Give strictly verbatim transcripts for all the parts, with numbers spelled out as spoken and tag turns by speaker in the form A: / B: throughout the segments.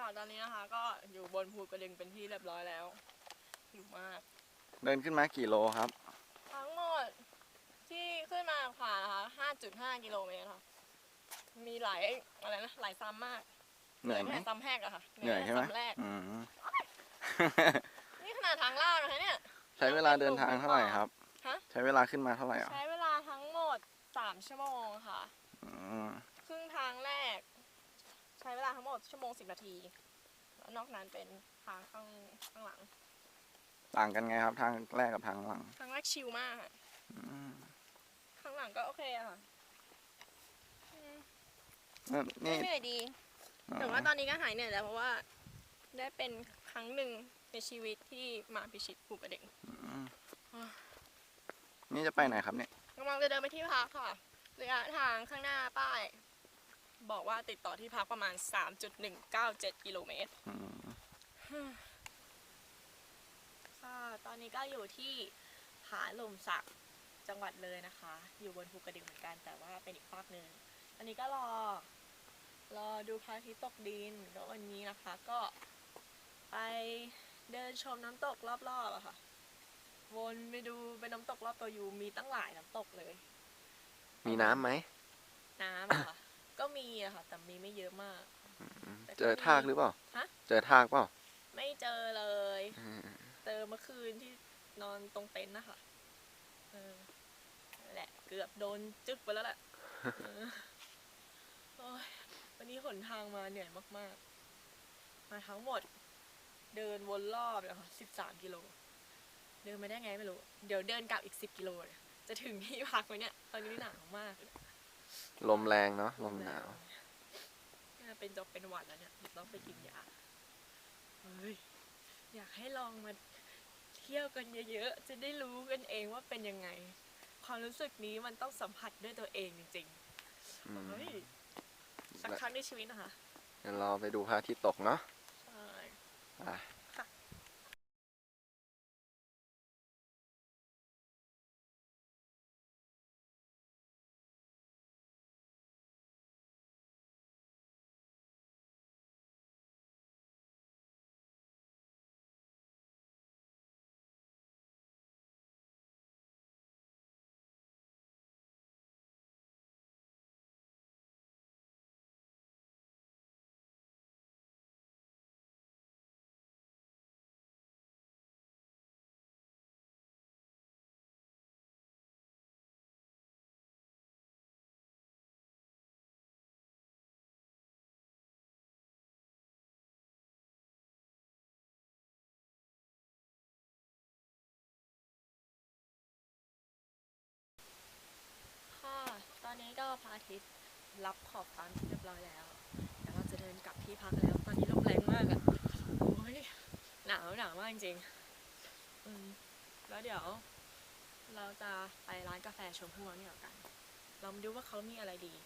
A: ตอนนี้นะคะก็อยู่บนภูกระดึงเป็นที่เรียบร้อยแล้วหิวมาก
B: เดินขึ้นมากี่โลครับ
A: ทั้งหมดที่ขึ้นมาผ่านนะคะ ห้าจุดห้า กิโลเมตรค่ะมีหลายอะไรนะหลายซ้ำมาก
B: เหนื่อยไหม
A: ซ้ำแรกอะค่ะ
B: เหนื่อยใช่ไหม
A: ซ้ำแรก
B: อืม
A: นี่ขนาดทางลาดนะคะเนี่ย
B: ใช้เวลาเดินทางเท่าไหร่ครับ
A: ฮะ
B: ใช้เวลาขึ้นมาเท่าไหร่อ่ะ
A: ใช้เวลาทั้งหมดสามชั่วโมงค่ะ
B: อืม
A: ครึ่งทางแรกใช้เวลาทั้งหมดชั่วโมงสิบนาทีแล้วนอกนั้นเป็นทางข้างข้างหลัง
B: ต่างกันไงครับทางแรกกับทางหลัง
A: ทางแรกชิลมากข้างหลังก็โอเคอะค่ะ
B: นี่
A: เหนื่อยดีแต่ว่าตอนนี้ก็หายเหนื่อยแล้วเพราะว่าได้เป็นครั้งหนึ่งในชีวิตที่มาพิชิตภูกระดึง
B: นี่จะไปไหนครับเนี่ย
A: กำลังจะเดินไปที่พักค่ะระยะทางข้างหน้าป้ายบอกว่าติดต่อที่พักประมาณ สามจุดหนึ่งเก้าเจ็ด กิโลเมตรค่ะตอนนี้ก็อยู่ที่ผาลมสักจังหวัดเลยนะคะอยู่บนภูกระดึงเหมือนกันแต่ว่าเป็นอีกภาคหนึ่งอันนี้ก็รอรอดูพระอาทิตย์ตกดินแล้ววันนี้นะคะก็ไปเดินชมน้ำตกรอบๆอะค่ะวนไปดูเป็นน้ำตกรอบตัวอยู่มีตั้งหลายน้ำตกเลย
B: มีน้ำไหม
A: น้ำอะค่ะก็มีอะค่ะแต่มีไม่เยอะมาก
B: เจอทากหรือเปล่า
A: ฮะ
B: เจอทากเปล่า
A: ไม่เจอเลยเจอเมื่อคืนที่นอนตรงเต็นท์นะคะเออแหละเกือบโดนจึ๊กไปแล้วแหละวันนี้หนทางมาเหนื่อยมากๆมาทั้งหมดเดินวนรอบเลยค่ะสิบสามกิโลเดินมาได้ไงไม่รู้เดี๋ยวเดินกลับอีกสิบกิโลเลยจะถึงที่พักไหมเนี่ยตอนนี้หนาวมาก
B: ลมแรงเนาะลมหนาว
A: เป็นจบเป็นหวัดแล้วเนี่ยต้องไปกินยาเฮ้ยอยากให้ลองมาเที่ยวกันเยอะๆจะได้รู้กันเองว่าเป็นยังไงความรู้สึกนี้มันต้องสัมผัสด้วยตัวเองจริงๆเฮ้ยสักครั้งในชีวิตนะคะ
B: เดี๋ยวเราไปดูพระอาทิตย์ตกเนาะ
A: ใช่
B: ค่ะ
A: ตอนนี้ก็พระอาทิตย์รับขอบฟ้าเรียบร้อยแล้วเดี๋ยวเราจะเดินกลับที่พักแล้วตอนนี้ลมแรงมากอ่ะโอ้ยหนาวหนาวมากจริงๆอืมแล้วเดี๋ยวเราจะไปร้านกาแฟชมพู่นี่กันเรามาดูว่าเขามีอะไรดี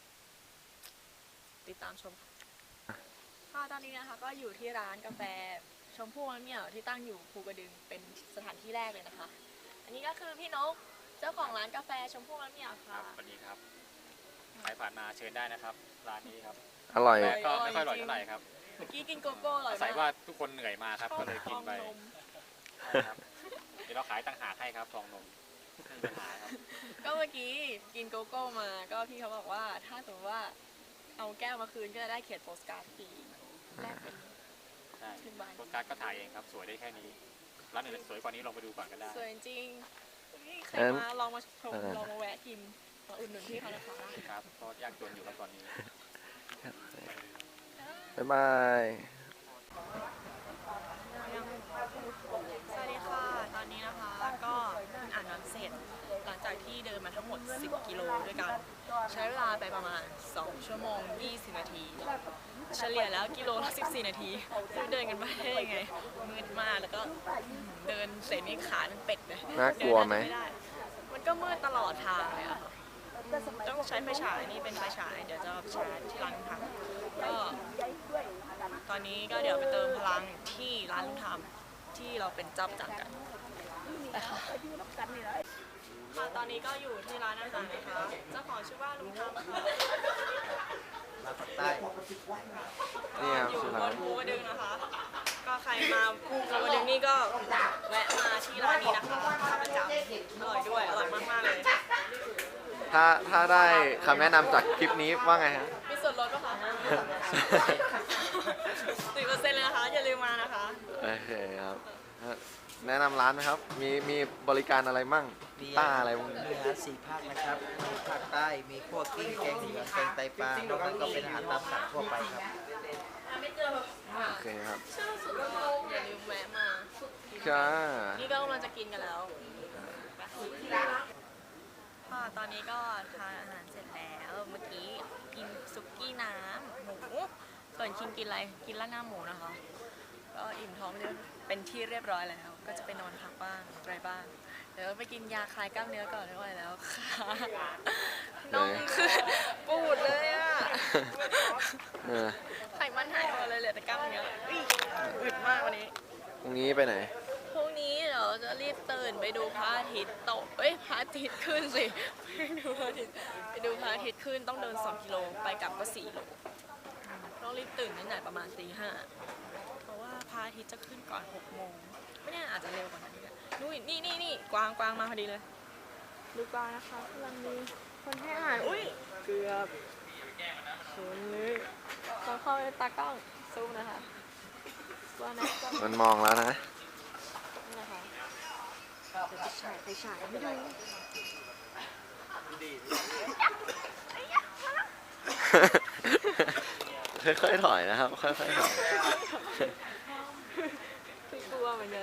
A: ติดตามชมค่ะตอนนี้นะคะก็อยู่ที่ร้านกาแฟชมพู่เนี่ยที่ตั้งอยู่ภูกระดึงเป็นสถานที่แรกเลยนะคะอันนี้ก็คือพี่นกเจ้าของร้านกาแฟชมพู่มะเหมี่ยวค่ะ
C: สวัสดีครับใครผ่านมาเชิญได้นะครับร้านนี้ครับ
B: อร่อย
C: ก็ไม่ค่อยอร่อยเท่าไหร่ครับ
A: เมื่อกี้กินโกโก้อร่อยมาก
C: ใส่ว่าทุกคนเหนื่อยมาครับก็เลยกินไปครับเดี๋ยวเราขายต่างหากให้ครับทองนมไม่มีปัญหาครับ
A: ก็เมื่อกี้กินโกโก้มาก็พี่เขาบอกว่าถ้าสมมติว่าเอาแก้วมาคืนก็จะได้เขียนโปสการ์ดฟรีแลกเป็น
C: ใช่โปสการ์ดก็ถ่ายเองครับสวยได้แค่นี้ร้านอื่นสวยกว่านี้ลองไปดูก่อนก็ได้
A: สวยจริงใครมาลองมาชมลองมาแวะกินมาอุดหนุนพี่เขานะคะ
C: ครับเพราะยากจนอยู่แล้วตอนนี้
B: บ๊ายบาย
A: สวัสดีค่ะตอนนี้นะคะก็เพิ่งอ่านหนังเสร็จหลังจากที่เดินมาทั้งหมดสิบกิโลด้วยกันใช้เวลาไปประมาณสองชั่วโมงยี่สิบนาทีเฉลี่ยแล้วกิโลละสิบสี่นาทีเดินกันไปได้ยังไงมืดมากแล้วก็เดินเสร็จนี่ขาเป็นเป็ดเลย
B: น่ากลัวไหม
A: มันก็มืดตลอดทางเลยอะค่ะต้องใช้ไฟฉายนี่เป็นไฟฉายเดี๋ยวจะใช้ที่ร้านลุงทำก็ตอนนี้ก็เดี๋ยวไปเติมพลังที่ร้านลุงทำที่เราเป็นเจ้าประจำกันไปค่ะค่ะตอนนี้ก็อยู่ที่ร้านอาหารนะคะเจ้าของชื่อว่าลุงทำค่ะ
B: นี่ครับ
A: อยู่บนภูกระใครมาภูกระดึงนี่ก็แวะมาที่ร้านนี้นะคะประจำอร่อยด้วยอร่อยมากๆเลย
B: ถ้าถ้าได้คำแนะนำจากคลิปนี้ว่าไงฮะ
A: มีส่วนลดปะคะสิบเปอร์เซ็นต์เลยนะคะอย่าลืมมานะคะ
B: โอเคครับแนะนำร้านไหมครับ มีมีบริการอะไรมั่ง
D: มี
B: ต้าอะไรพวกนี้
D: มีอาหารสี่ภาคนะครับ มีภาคใต้ มีพวกกิ้งแกงเหลืองแกงไตปลานอกนั้นก็เป็นอาหารตามสั่งทั่วไปครับ
B: โอเคครับ
A: ชื่อสุดก็อย่าลืมแวะมา
B: จ้า
A: นี่ก็กำลังจะกินกันแล้วค่ะตอนนี้ก็ทานอาหารเสร็จแล้ว เมื่อกี้กินซุกี้น้ำหมูส่วนคิงกินอะไร กินราดหน้าหมูนะคะ ก็อิ่มท้องเรียบเป็นที่เรียบร้อยแล้ว ก็จะไปนอนพักบ้างอะไรบ้าง เดี๋ยวไปกินยาคลายกล้ามเนื้อก่อนไม่ไหวแล้วค่ะน้องคือปูดเลยอ่ะ
B: เออ
A: ไขมันหายหมดเลยเหลือแต่กล้ามเนื้ออุ๊ยอึดมากวันนี้
B: พรุ่งนี้ไปไหน
A: พรุ่งนี้เดี๋ยวจะรีบตื่นไปดูพระอาทิตย์ตกเอ้ยพระอาทิตย์ขึ้นสิ ไปดูพระอาทิตย์ไปดูพระอาทิตย์ขึ้นต้องเดินสองกิโลไปกลับก็สี่โลต้องรีบตื่นตั้งแต่ประมาณตีห้าเพราะว่าพระอาทิตย์จะขึ้นก่อนหกโมงไม่แน่อาจจะเร็วกว่านั้นอีกอะนู่นนี่นี่นี่กวางกวางมาพอดีเลย ดูกวางนะคะกำลังมีคนให้อาหารอุ้ยเกือบชนเลยต้องเข้าในตากล้องซูมนะคะกวางนะกวาง
B: มันมองแล้วนะ
A: นี่นะคะเดี๋ยวไปฉายไปฉายไม่ดู
B: ค่อยๆถอยนะครับ ค่อยๆถอย
A: คือกลัวเหมือนกัน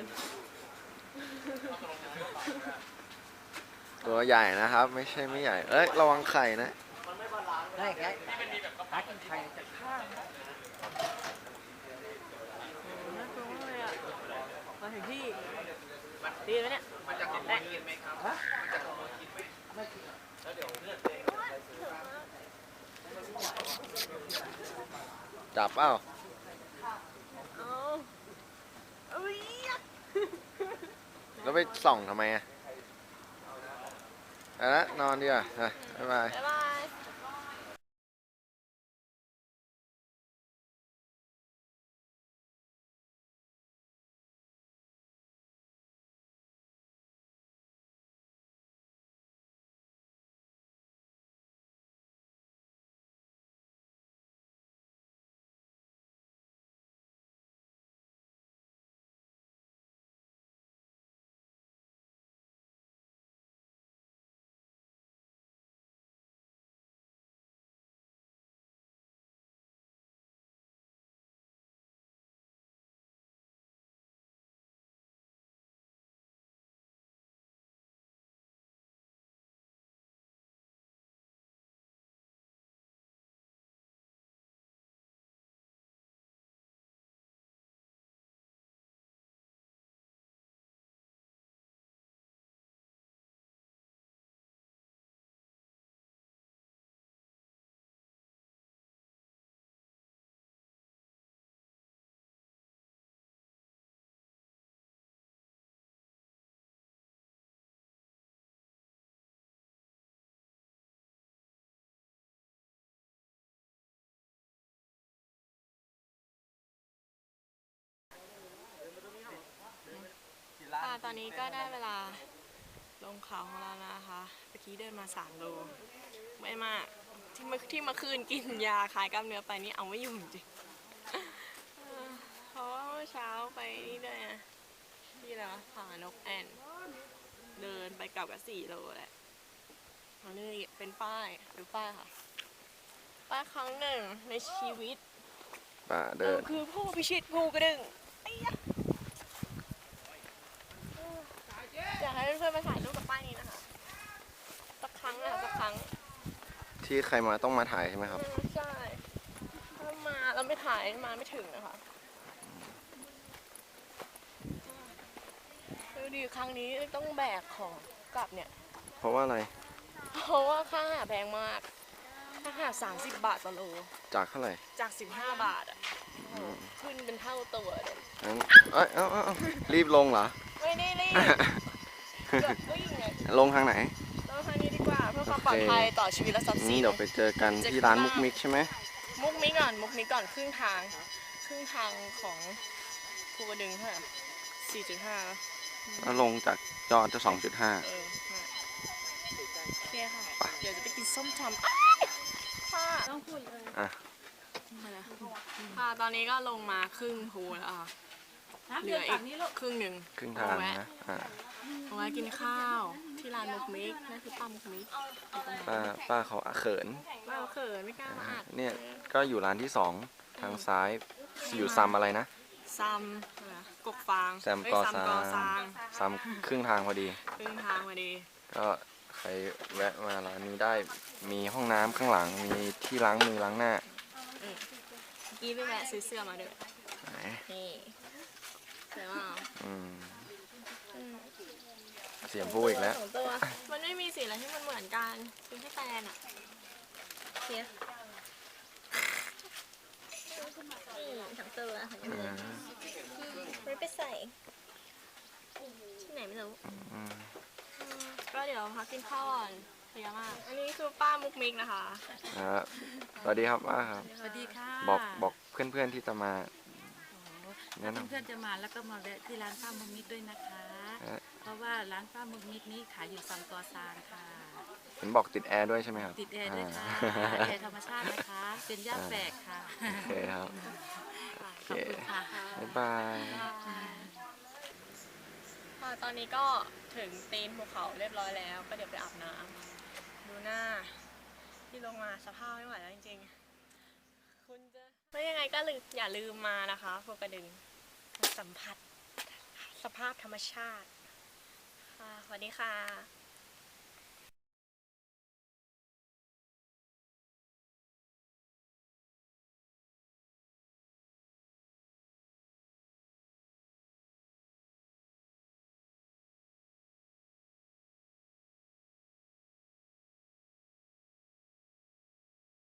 B: ตัวใหญ่นะครับ ไม่ใช่ไม่ใหญ่ เอ้ย ระวังไข่นะ
D: ได้ครับหากินไข่จากข้าง
A: น่ากลัวมากเลยอ่ะ มาถึงที่ดีไหมเนี่ยมาจากของกินไหมครับมาจากของกินไหมแล้วเดี๋ยวเลือดเอง
B: จับเปล่า
A: เอาเอ้ย
B: แล้วไปส่องทำไมอ่ะเอาละนอนดีกว่าอ่ะบ๊ายบาย
A: บ๊ายบาย ค่ะตอนนี้ก็ได้เวลาลงเขาของเราแล้วนะคะเมื่อกี้เดินมาสามโลไม่มากที่เมื่อที่เมื่อคืนกินยาคลายกล้ามเนื้อไปนี่เอาไม่อยู่จริงเออเพราะว่าเมื่อเช้าไปนี่ด้วยนะที่อะไรวะผานกแอ่นเดินไปกลับกับสี่โลแหละอันนี้เป็นป้ายดูป้ายค่ะป้ายครั้งหนึ่งในชีวิต
B: ป่า
A: เรา
B: เดิน
A: คือผู้พิชิตภูกระดึงไอ้ยะอยากให้เพื่อนๆมาถ่ายรูปกับป้ายนี้นะคะสักครั้งนะคะสักครั้ง
B: ที่ใครมาต้องมาถ่ายใช่ไหมครับ
A: อืมใช่ถ้ามาแล้วไม่ถ่ายมาไม่ถึงนะคะดูดิครั้งนี้ต้องแบกของกลับเนี่ย
B: เพราะว่าอะไร
A: เพราะว่าค่าอาหารแพงมากค่าอาหารสามสิบบาทต่อโล
B: จากเท่าไหร่
A: จากสิบห้าบาทอ่ะโอ้โหขึ้นเป็นเท่าตัวเลย
B: งั้นเอ้ย เอ้าเอ้าเอ้ารีบลงเหรอ
A: ไม่ได้รีบเกือบวิ่งเลย
B: ลงทางไหน
A: เราทางนี้ดีกว่าเพื่อความปลอดภัยต่อชีวิตและทรัพย์
B: อื
A: สิ
B: ม
A: น
B: เดี๋ยวไปเจอกันที่ร้านมุกมิกใช่ไหม
A: มุกนี้ก่อนมุกนี้ก่อนครึ่งทางครึ่งทางของภูกระดึงเท่าไหร่สี่จุดห้า
B: แล้วลงจากจอจะสองจุดห้า
A: เออมาโอเคค่ะ เดี๋ยวจะไปกินส้มตำอ้ายค่ะต้องพูดเลย
B: อ่ะ
A: ค่ะ ตอนนี้ก็ลงมาครึ่งภูแล้วค่ะเหลืออีกครึ่งหนึ่ง
B: ครึ่งทางนะอ่า
A: เอาไว้กินข้าวที่ร้านมุกมิกนั่นคือป้ามุกมิก
B: ป้าป้าเขาเขิน
A: ป้าเขินไม่กล้ามาอัด
B: เนี่ยก็อยู่ร้านที่สองทางซ้ายอยู่ซัมอะไรนะ
A: ซัมอะไรนะกกฟาง
B: แซม
A: เอ้ย
B: กอ
A: ซัม
B: ซาก
A: อซาง
B: ซัมครึ่งทางพอดี
A: ครึ่งทางมาดี
B: ก็ใครแวะมาร้านนี้ได้มีห้องน้ำข้างหลังมีที่ล้างมือล้างหน้า
A: เมื่อกี้ไปแวะซื้อเสื้อมาด้วย
B: ไหน
A: นี่เสื้อว่า
B: อืม
A: อืม
B: เสียงพูดอีกแล้ว
A: สองตัวมันไม่มีสีอะไรที่มันเหมือนกันซื้อให้แฟนอ่ะเสียนี่ทั้งตัวทั้ง
B: อื
A: เงิน
B: ม
A: ไม่ไปใส่ที่ไหนไม่รู้
B: อืม
A: อืมก็เดี๋ยวพักกินข้าวก่อนเพลียมาก อันนี้คือป้ามุกมิกนะคะ
B: อ่าสวัสดีครับป้าครับ
E: สวัสดีค่ะ
B: บอกบอกเพื่อนๆที่จะมา แนะ
E: ถ้าน
B: ำ
E: เพื่อนๆจะมาแล้วก็มาแวะที่ร้านป้ามุกมิกด้วยนะคะ
B: ฮะ
E: เพราะว่าร้านป้ามุกมิกนี้ขายอยู่ซัมกอซางค่ะ
B: เห็นบอกติดแอร์ด้วยใช่ไหมครับ
E: ติดแอร์ด้วยค่ะ
B: อ่า
E: แอร์ธรรมชาตินะคะ เป็นย่าแฝกค่ะ
B: โอเคครับ
E: ขอบคุณค่ะ
B: บ๊ายบาย
A: ค่ะตอนนี้ก็ถึงตีนภูเขาเรียบร้อยแล้ว ก็เดี๋ยวไปอาบน้ำดูหน้า ที่ลงมาสภาพไม่ไหวแล้วจริงๆ คุณจะไม่ยังไงก็ลืมอย่าลืมมานะคะภูกระดึงมาสัมผัสสภาพธรรมชาติ ค่ะสวัสดีค่ะ